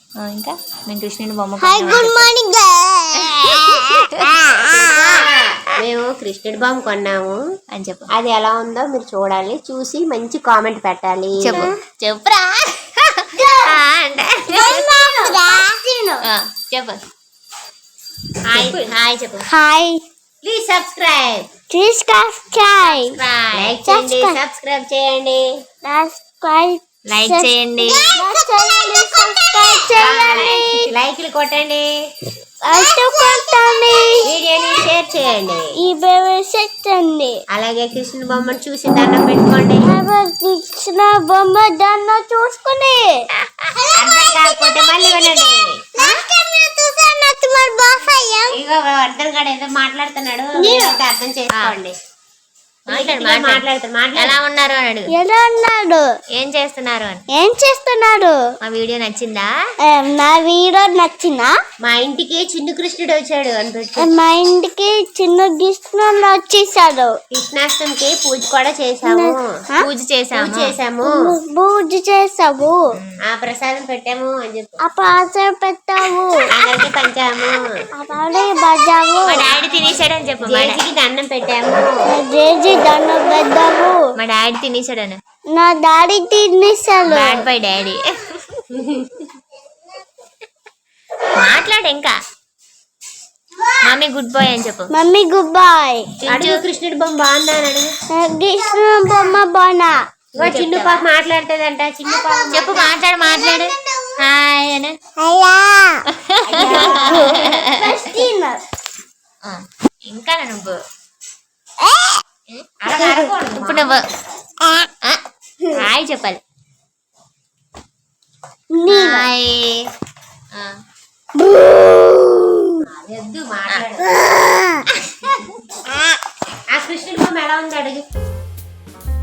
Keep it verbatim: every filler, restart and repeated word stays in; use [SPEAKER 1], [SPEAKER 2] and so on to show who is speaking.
[SPEAKER 1] ఇంకా మేము కృష్ణుని బొమ్మ
[SPEAKER 2] హాయ్ గుడ్ మార్నింగ్
[SPEAKER 3] మేము కృష్ణుడి బొమ్మ కొన్నాము
[SPEAKER 1] అని చెప్పు.
[SPEAKER 3] అది ఎలా ఉందో మీరు చూడాలి, చూసి మంచి కామెంట్ పెట్టాలి.
[SPEAKER 1] చెప్పు చెప్పురా చెప్పు. హాయ్ హాయ్ చెప్పు.
[SPEAKER 2] Hi
[SPEAKER 3] please subscribe
[SPEAKER 2] please subscribe
[SPEAKER 3] like చేయండి, సబ్స్క్రైబ్ చేయండి,
[SPEAKER 2] సబ్స్క్రైబ్
[SPEAKER 1] లైక్ చేయండి,
[SPEAKER 2] సబ్స్క్రైబ్ చేయండి,
[SPEAKER 3] లైక్లు కొట్టండి,
[SPEAKER 2] కొట్టండి,
[SPEAKER 3] వీడియోని షేర్ చేయండి.
[SPEAKER 2] ఈ బేబీ సెట్టండి.
[SPEAKER 3] అలాగే కృష్ణుడి బొమ్మను చూసి దండం పెట్టుకోండి.
[SPEAKER 2] కృష్ణ బొమ్మ దాన్ని చూసుకుని
[SPEAKER 3] అర్థం కాకపోతే మళ్ళీ వినండి. ఇగో అర్థం కాదు, ఏదో మాట్లాడుతున్నాడు, మీరైతే అర్థం చేసుకోండి.
[SPEAKER 1] మాట్లాడు
[SPEAKER 3] మాట్లాడుతాడు మాట్లాడు.
[SPEAKER 1] ఎలా ఉన్నారు అని అడుగు.
[SPEAKER 2] ఎలా ఉన్నాడు,
[SPEAKER 1] ఏం చేస్తున్నారు అని.
[SPEAKER 2] ఏం చేస్తున్నాడు.
[SPEAKER 1] మా వీడియో నచ్చిందా?
[SPEAKER 2] ఏ, నా వీడియో నచ్చిందా?
[SPEAKER 3] మా ఇంటికి చిన్న కృష్ణుడు వచ్చాడు అని పెట్టు.
[SPEAKER 2] మా ఇంటికి చిన్న కృష్ణుడు వచ్చేసాడు.
[SPEAKER 3] కృష్ణాష్టమికి పూజ కూడా చేసాము,
[SPEAKER 1] పూజ చేసాము
[SPEAKER 3] చేసాము,
[SPEAKER 2] పూజ చేసావు,
[SPEAKER 3] ఆ ప్రసాదం పెట్టాము అని చెప్పు.
[SPEAKER 2] ఆ పాత్ర పెట్టావు,
[SPEAKER 3] అందరికి పంచాము,
[SPEAKER 2] అలాగే బజావు,
[SPEAKER 1] మా డాడీ తినేసాడు అని చెప్పు. మా డా-
[SPEAKER 3] జేజీకి దండం పెట్టాము.
[SPEAKER 2] జేజీ దండం పెట్టావు.
[SPEAKER 1] మా డాడీ తినేసాడు అని.
[SPEAKER 2] నా డాడీ తినేసాడు.
[SPEAKER 1] Bad bye daddy. మాట్లాడు ఇంకా. మమ్మీ గుడ్ బాయ్ అని చెప్పు.
[SPEAKER 2] Mummy good boy.
[SPEAKER 3] అడుగు కృష్ణుడి బొమ్మ బాగుందా అని అడుగు.
[SPEAKER 2] కృష్ణ బొమ్మ బానా.
[SPEAKER 3] ఇగో చిన్న పాప మాట్లాడుతుందంట. చిన్న పాప
[SPEAKER 1] చెప్పు, మాట్లాడు మాట్లాడు. హాయ్ అని.
[SPEAKER 2] అయ్యా
[SPEAKER 1] ఆ, ఇంకా నువ్వు
[SPEAKER 3] అలా అరగకూడదు.
[SPEAKER 1] ఇప్పుడు నువ్వు ఆ, హాయ్ చెప్పాలి. హాయ్. ఆ,
[SPEAKER 3] వద్దు మాట్లాడు. ఆ కృష్ణుడి బొమ్మ ఎలా ఉంది అడుగు.